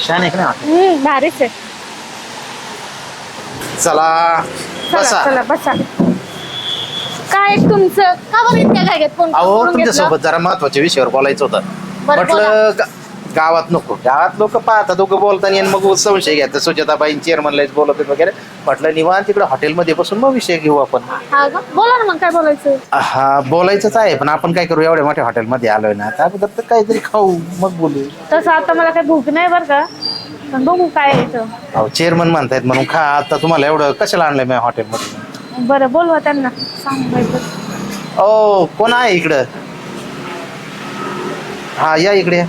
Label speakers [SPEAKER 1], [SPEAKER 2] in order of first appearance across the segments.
[SPEAKER 1] छान आहे का नाही?
[SPEAKER 2] भारीच आहे.
[SPEAKER 1] चला बसा.
[SPEAKER 2] चला बसा. काय तुमचं का बरं इतक्या काय घेत कोण
[SPEAKER 1] अहो
[SPEAKER 2] करून
[SPEAKER 1] तुमच्या
[SPEAKER 2] घेतलं?
[SPEAKER 1] सोबत जरा महत्वाच्या विषयावर बोलायचं होतं.
[SPEAKER 2] बरं,
[SPEAKER 1] म्हटलं गावात नको, गावात लोक पाहतात दोघं बोलताना आणि मग संशय घ्यायचा. सुजाताबाई चेअरमनलाच बोलत वगैरे. म्हटलं निवांत तिकडे हॉटेलमध्ये बसून मग विषय घेऊ आपण.
[SPEAKER 2] हा का? बोला ना मग काय बोलायचं.
[SPEAKER 1] हा बोलायचंच आहे, पण आपण काय करू, एवढ्या मोठ्या हॉटेलमध्ये आलोय ना, त्या अगोदर तर काहीतरी खाऊ मग बोलू.
[SPEAKER 2] तसं आता मला काही भूक नाही बरं का, पण बघू काय आहे इथं.
[SPEAKER 1] अहो चेअरमन म्हणतायत म्हणून खा. आता तुम्हाला एवढं कशाला आणलंय मी हॉटेलमध्ये?
[SPEAKER 2] बरं बोलवा त्यांना, सांग.
[SPEAKER 1] ओ कोण आहे इकडं? हा या इकडे.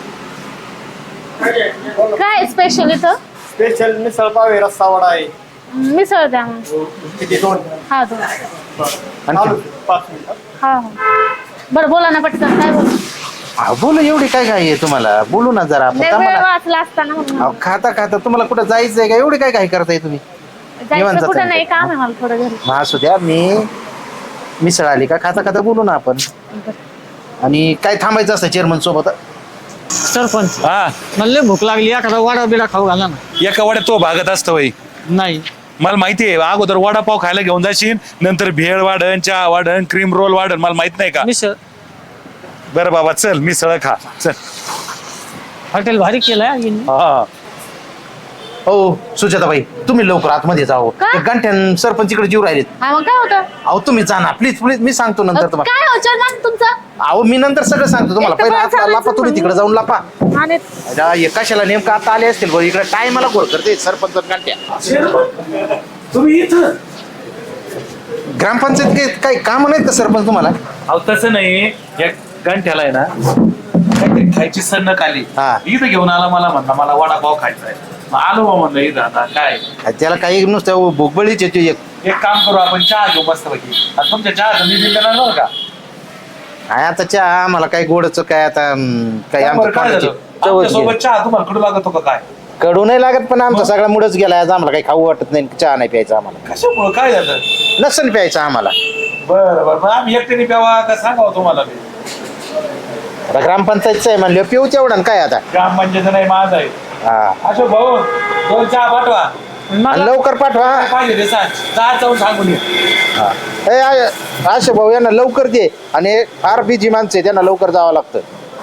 [SPEAKER 2] काय स्पेशल इथं?
[SPEAKER 3] स्पेशल मिसळ पाव आहे, रस्सा वडा आहे.
[SPEAKER 2] मिसळ द्या मग.
[SPEAKER 3] किती? 2.
[SPEAKER 2] हा दोन.
[SPEAKER 1] आणखी?
[SPEAKER 3] 5 मिनिटं.
[SPEAKER 2] हा बरं बोला ना पटकन, काय बोलू.
[SPEAKER 1] बोलू. एवढी काय घाई आहे तुम्हाला? बोलू ना जरा. आपण
[SPEAKER 2] वेळ
[SPEAKER 1] थांबा ना.
[SPEAKER 2] वाचला असताना म्हणून.
[SPEAKER 1] अहो, खाता खाता तुम्हाला कुठं जायचंय का? एवढी काय घाई करताय तुम्ही? निवांत
[SPEAKER 2] जायचं कुठं
[SPEAKER 1] जाता.
[SPEAKER 2] नाही, काम आहे मला थोडं घरी.
[SPEAKER 1] मग असू द्या, मी मिसळ आली का खाता खाता बोलू ना आपण. आणि काय थांबायचं असतं चेअरमन सोबत?
[SPEAKER 4] सरपंच
[SPEAKER 5] हा
[SPEAKER 4] मला लय भूक लागली, एखादा वडा बिडा खाऊ घाला ना.
[SPEAKER 5] एका वड्यात तो भागत असतो बाई.
[SPEAKER 4] नाही
[SPEAKER 5] मला माहिती आहे, अगोदर वडापाव खायला घेऊन जाशील, नंतर भेळ वाढन, चहा वाढन, क्रीम रोल वाढन. मला माहित नाही का?
[SPEAKER 4] मिसळ
[SPEAKER 5] बरं बाबा चल मिसळ खा चल.
[SPEAKER 4] हॉटेल भारी केलंय.
[SPEAKER 5] हा
[SPEAKER 1] हो सुजाताबाई, तुम्ही लवकर आतमध्ये जाओ.
[SPEAKER 2] का?
[SPEAKER 1] गंठ्यान सरपंच इकडे जीव राहिलेत.
[SPEAKER 2] हा मग काय होतं?
[SPEAKER 1] अहो तुम्ही जा ना प्लीज प्लीज, मी सांगतो नंतर तुम्हाला.
[SPEAKER 2] काय हो चेअरमन तुमचं?
[SPEAKER 1] अहो मी नंतर सगळं सांगतो तुम्हाला.
[SPEAKER 2] एक तर
[SPEAKER 1] पहिला
[SPEAKER 2] मला
[SPEAKER 1] आतला
[SPEAKER 2] सांगायचं
[SPEAKER 1] लापा, तुम्ही तिकडे जाऊन लापा.
[SPEAKER 2] आणि
[SPEAKER 1] कशाला नेमकं आता आले असतील बरं इकडे? टायमाला गोळ करते सरपंच गंठ्या.
[SPEAKER 5] तुम्ही इथं?
[SPEAKER 1] ग्रामपंचायत काही काम नाहीत का सरपंच तुम्हाला?
[SPEAKER 5] अहो तसं नाही, या गंठ्याला आहे ना काहीतरी खायची सन्नक आली.
[SPEAKER 1] हा.
[SPEAKER 5] इथं घेऊन आला, मला म्हणला मला वडापाव खायचा आहे. मग आलो बा म्हणलं इथं. आता काय
[SPEAKER 1] त्याला काही नुसतं भोगबळीच येते एक.
[SPEAKER 5] एक काम करू, आपण चहा घेऊ मस्त पैकी. आता तुमच्या चहा मी दिलं बरं का?
[SPEAKER 1] काय आता चहा आम्हाला काही गोडच काय आता काही
[SPEAKER 5] बरं, काय
[SPEAKER 1] आमच्या
[SPEAKER 5] झालं? आमच्यासोबत चहा तुम्हाला कडू लागत का काय?
[SPEAKER 1] कडू नाही लागत, पण आमचा सगळा मुडच गेला आज. आम्हाला काही खाऊ वाटत नाही, चहा नाही प्यायचा आम्हाला.
[SPEAKER 5] कशामुळं काय झालं?
[SPEAKER 1] नसन प्यायचं आम्हाला.
[SPEAKER 5] बरं बरं, मग आम्ही एकट्याने प्यावा का सांगावं तुम्हाला? मी
[SPEAKER 1] आता ग्रामपंचायतचं आहे म्हणलं पिऊ तेवढं काय आता.
[SPEAKER 5] ग्रामपंचायत नाही, माझा आहे.
[SPEAKER 1] हा
[SPEAKER 5] अशोक भाऊ 2 चहा पाठवा.
[SPEAKER 1] आणि लवकर पाठवा.
[SPEAKER 5] काय पाहिजे ते सांग, चहा जाऊन सांगून ये.
[SPEAKER 1] अशोक भाऊ यांना लवकर दे. आणि फार बिजी माणसं आहे, त्यांना लवकर जावं लागतं.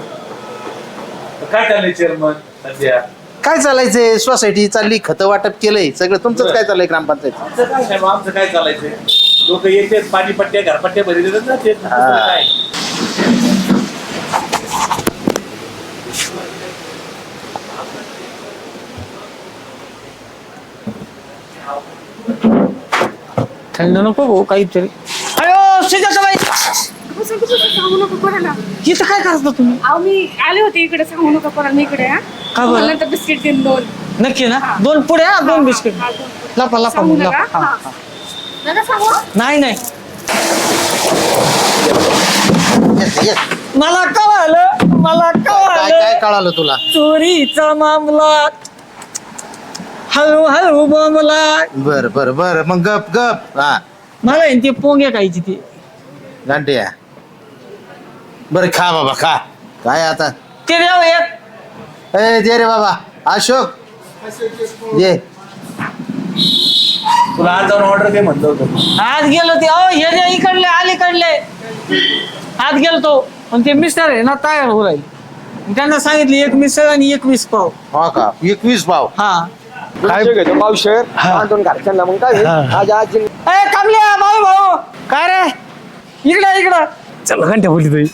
[SPEAKER 5] काय चाललंय चेअरमन सध्या?
[SPEAKER 1] काय चालायचंय? सोसायटी चालली, खतं वाटप केलंय सगळं. तुमचंच काय चाललंय ग्रामपंचायत?
[SPEAKER 5] आमचं काय नाही, मग आमचं काय चालायचंय? लोक येतात, पाणीपट्ट्या घरपट्ट्या भरी देतात ना, ते दुसरं काय.
[SPEAKER 4] थंड नको भाऊ काहीतरी. अयो सुजाताबाई,
[SPEAKER 2] सांगू नको कोणाला.
[SPEAKER 4] इथं काय करता तुम्ही?
[SPEAKER 2] अहो मी आले होते इकडे, सांगू नका कोणाला मी इकडे.
[SPEAKER 4] का बरं?
[SPEAKER 2] नंतर बिस्किट देईन 2.
[SPEAKER 4] नक्की ना? 2 पुड्या 2 बिस्किट. लपा लपा
[SPEAKER 2] सांगू
[SPEAKER 4] मग,
[SPEAKER 2] नका.
[SPEAKER 4] लपा. हा, हा.
[SPEAKER 2] नका सांगू.
[SPEAKER 4] नाही नाही,
[SPEAKER 1] येस.
[SPEAKER 4] मला कळालं, मला
[SPEAKER 1] काय काय
[SPEAKER 4] कळालं.
[SPEAKER 1] कळालं तुला?
[SPEAKER 4] चोरीचा मामला हळू हळू बोंबला.
[SPEAKER 1] बर बर बर, मग गप गप. हा
[SPEAKER 4] मला आहे ना ते पोंगे खायची ती.
[SPEAKER 1] गांठ्या बरं खा बाबा खा. काय आता?
[SPEAKER 4] ते द्यावं एक.
[SPEAKER 1] दे रे बाबा. अशोक दे.
[SPEAKER 5] तुला आज जाऊन ऑर्डर दे म्हणलं होतं.
[SPEAKER 4] आज गेलो ते, अहो हे जे इकडले अलीकडले, आज गेलो तो. पण ते मिस्टर आहे ना तयार होऊ राहील. त्यांना सांगितले 1 मिसळ आणि 1 वीस पाव.
[SPEAKER 1] हा का? 21 पाव.
[SPEAKER 4] हा
[SPEAKER 3] काय घेतो पावशेर? 2 घरच्यांना मग काय आज आज
[SPEAKER 4] ए कमल्या भाऊ भाऊ, काय रे? इकडे इकडं चल. घंट्या बोली तुझी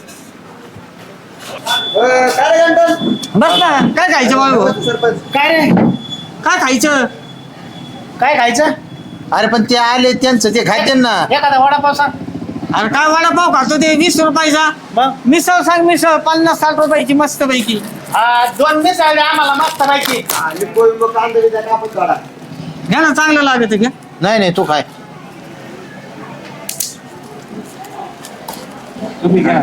[SPEAKER 4] बस ना. काय खायचं भाऊ?
[SPEAKER 1] काय रे?
[SPEAKER 4] काय खायचं?
[SPEAKER 1] काय खायचं? अरे पण ते आले त्यांचं ते खायचे ना.
[SPEAKER 2] एखादा वडापाव सांग.
[SPEAKER 4] अरे काय वडापाव खातो ते 20 रुपयाचा.
[SPEAKER 1] मग
[SPEAKER 4] मिसळ सांग, मिसळ 50-60 रुपयाची मस्त पैकी.
[SPEAKER 1] 2 मिसळ आम्हाला मस्त पैकी.
[SPEAKER 4] घ्या ना, चांगलं लागत घ्या.
[SPEAKER 1] नाही नाही तू काय.
[SPEAKER 5] तुम्ही घ्या.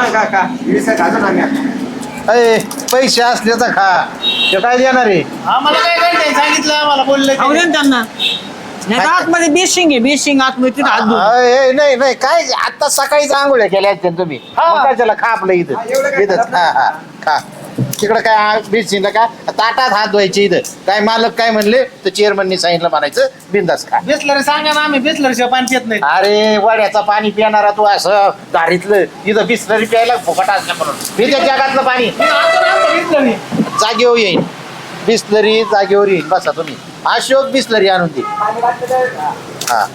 [SPEAKER 1] पैसे असले तर खा. ते काय देणार आहे? आम्हाला काय काय सांगितलं, आम्हाला बोलले.
[SPEAKER 4] खाऊ दे ना त्यांना. नाही तर आतमध्ये बेशिंग आहे, बेशिंग आतमध्ये तिथं हात धुवून.
[SPEAKER 1] नाही नाही काय आता सकाळीच आंघोळ्या केल्या आहेत तुम्ही. मग काय त्याला खा आपलं इथं इथंच. हा हा खा. तिकडं काय बिस्टिनला काय ताटात हात धुवायचे इथं काय मालक काय म्हणले तर चेअरमननी सांगितलं म्हणायचं बिंदास खा.
[SPEAKER 6] बिसलरी सांगा ना आम्ही बिसलरीच्या पाणी पित नाही.
[SPEAKER 1] अरे वड्याचं पाणी पिणारा तू असं दारीतलं इथं बिस्लरी प्यायला फुकट असलं म्हणून मी त्या जगातलं पाणी
[SPEAKER 6] बिसलरी
[SPEAKER 1] जागेवर येईन. बिस्लरी जागेवर येईन बसा तुम्ही. अशोक बिस्लरी आणून दे. हा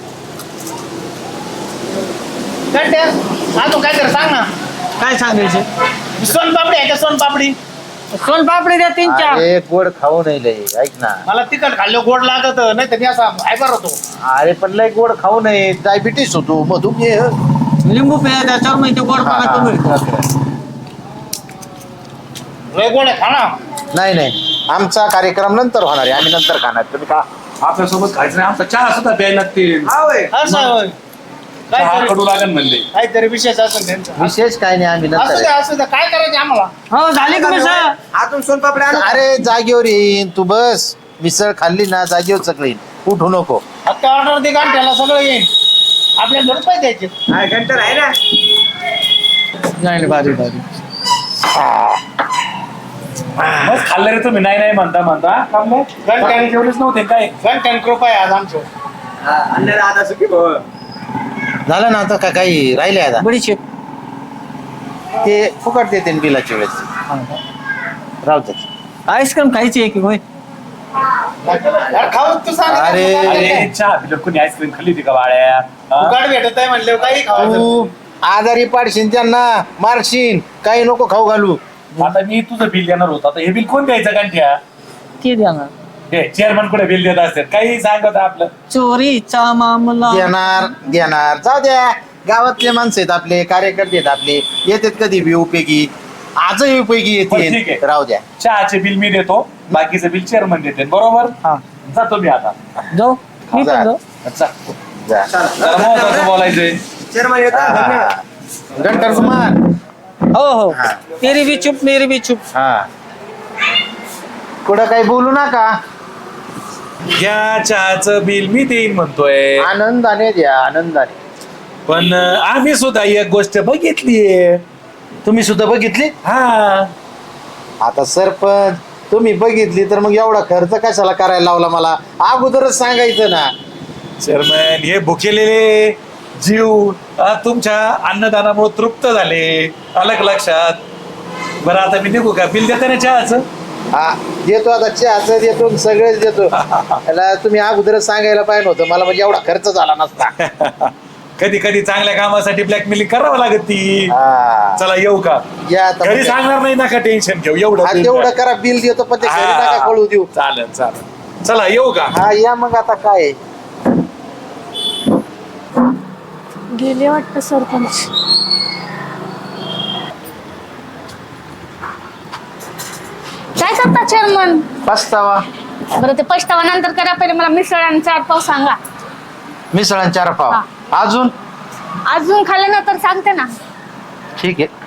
[SPEAKER 6] कंट्या अजून काय कर सांग ना.
[SPEAKER 4] काय सांगायचं
[SPEAKER 6] सोनपापडी आहे का सोनपापडी?
[SPEAKER 4] सोनपापडी द्या 3-4.
[SPEAKER 1] अरे गोड खाऊ नाही लय ऐक ना.
[SPEAKER 6] मला तिखट खाल्लं गोड लागत नाही तर मी असा फायबर होतो.
[SPEAKER 1] अरे पण लय गोड खाऊ नये डायबिटीस होतो मधुमेह.
[SPEAKER 4] लिंबू प्या त्याच्यावर माहिती गोड
[SPEAKER 1] हा,
[SPEAKER 4] पाका कमी.
[SPEAKER 6] लय गोड आहे खा ना.
[SPEAKER 1] नाही नाही आमचा कार्यक्रम नंतर होणार आहे आम्ही नंतर खाणार तुम्ही का.
[SPEAKER 5] आपल्यासोबत खायचं नाही आमचा चहा सुद्धा प्यायला लागतील
[SPEAKER 6] असं होय.
[SPEAKER 5] चहा
[SPEAKER 6] काहीतरी
[SPEAKER 5] कडू लागेल म्हणले.
[SPEAKER 6] काहीतरी विशेष असेल त्यांचा.
[SPEAKER 1] विशेष काय नाही आम्ही
[SPEAKER 6] असू
[SPEAKER 1] नंतर
[SPEAKER 6] द्या असू द्या काय करायचं आम्हाला.
[SPEAKER 4] हो झाली का मिसळ?
[SPEAKER 3] अजून सोनपापडी आणू.
[SPEAKER 1] अरे जागेवर येईन तू बस. मिसळ खाल्ली ना जागेवर सगळं येईन उठू नको.
[SPEAKER 6] आता ऑर्डर दे गांठ्याला सगळं येईल. आपल्याला रुपये द्यायचे.
[SPEAKER 3] हा, घंटा आहे ना.
[SPEAKER 4] नाही भारी भारी.
[SPEAKER 5] मग खाल्लं रे तुम्ही नाही म्हणता
[SPEAKER 6] गणकाने
[SPEAKER 5] जेवलेच नव्हते काय.
[SPEAKER 6] घंट्यान कृपा आहे आज आमचं.
[SPEAKER 3] हा, अन्नाला आता सुखी भाऊ.
[SPEAKER 1] झालं ना आता का काही राहिले आता
[SPEAKER 4] बडीशेप.
[SPEAKER 1] ते फुकट देते ना बिलाच्या वेळेस राहू दे.
[SPEAKER 4] आईस्क्रीम खायची आहे की होय?
[SPEAKER 6] यार खाऊ तू सांग.
[SPEAKER 1] अरे,
[SPEAKER 5] अरे चहा पिलं कोणी आईस्क्रीम खाल्ली होती का बाळ्या हा?
[SPEAKER 6] उगाड भेटत आहे म्हणले काही खावायचं.
[SPEAKER 1] तू आजारी पाडशील त्यांना मारशील काही नको खाऊ घालू.
[SPEAKER 5] आता मी तुझं बिल देणार होतं आता हे बिल कोण द्यायचं गांठ्या?
[SPEAKER 4] ते द्या ना.
[SPEAKER 5] हे चेअरमन कुठे बिल देत असतात काही सांगत आपलं.
[SPEAKER 4] चोरीचा मामला.
[SPEAKER 1] देणार जाऊ द्या. गावातले माणसं आहेत आपले कार्यकर्ते आहेत आपले येतात कधी बी उपयोगी. आजही उपयोगी
[SPEAKER 5] बरं, ठीक
[SPEAKER 1] येते
[SPEAKER 5] आहे.
[SPEAKER 1] राहू द्या.
[SPEAKER 5] चहाचे बिल मी देतो बाकीचं बिल चेअरमन देते बरोबर.
[SPEAKER 4] हा
[SPEAKER 5] जातो मी आता.
[SPEAKER 4] जाऊ मी
[SPEAKER 1] जा.
[SPEAKER 4] पण जाऊ.
[SPEAKER 5] अच्छा
[SPEAKER 1] जा.
[SPEAKER 5] जरा महत्वाचं बोलायचंय.
[SPEAKER 3] चेअरमन
[SPEAKER 1] हा,
[SPEAKER 3] येतात
[SPEAKER 1] हा,
[SPEAKER 3] धन्यवाद.
[SPEAKER 1] हा. गंटर कुमार
[SPEAKER 4] हो हो
[SPEAKER 1] हा.
[SPEAKER 4] तेरी भी चुप मेरी भी चुप.
[SPEAKER 1] हा कुठं काही बोलू नका.
[SPEAKER 5] घ्या चहाचं बिल मी देईन म्हणतोय
[SPEAKER 1] आनंदाने द्या आनंदाने.
[SPEAKER 5] पण आम्ही सुद्धा एक गोष्ट बघितलीये.
[SPEAKER 1] तुम्ही सुद्धा बघितली.
[SPEAKER 5] हा
[SPEAKER 1] आता सरपंच तुम्ही बघितली तर मग एवढा खर्च कशाला करायला लावला मला अगोदरच सांगायचं ना.
[SPEAKER 5] चेअरमन हे भुकेलेले जीव तुमच्या अन्नदानामुळे तृप्त झाले आलं का लक्षात. बरं आता मी निघू का बिल देते ना चहाचं.
[SPEAKER 1] हा देतो आता चहाचं देतो आणि सगळेच देतो. त्याला तुम्ही अगोदरच सांगायला पाहिजे होतं मला म्हणजे एवढा खर्च झाला नसता.
[SPEAKER 5] कधी कधी चांगल्या कामासाठी ब्लॅकमेलिंग करावं लागत ती.
[SPEAKER 1] हा.
[SPEAKER 5] चला येऊ का
[SPEAKER 1] या आता
[SPEAKER 5] घरी
[SPEAKER 1] म्हणजे.
[SPEAKER 5] सांगणार नाही नका टेन्शन घेऊ एवढं
[SPEAKER 1] हा,
[SPEAKER 5] bill
[SPEAKER 1] तेवढं
[SPEAKER 5] द्या.
[SPEAKER 1] करा बिल देतो पण ते घरी
[SPEAKER 5] हा.
[SPEAKER 1] नका कळू देऊ.
[SPEAKER 5] चालेल चालेल चला येऊ का.
[SPEAKER 1] हा या मग आता काय आहे?
[SPEAKER 2] गेले वाटतं सरपंच. काय करता चेअरमन?
[SPEAKER 1] पस्तावा
[SPEAKER 2] बरं ते पछतावा नंतर करा पहिले मला मिसळ आणि 4 पाव सांगा.
[SPEAKER 1] मिसळ आणि 4 पाव
[SPEAKER 2] हा.
[SPEAKER 1] अजून
[SPEAKER 2] अजून खाल्लं ना तर सांगते ना.
[SPEAKER 1] ठीक आहे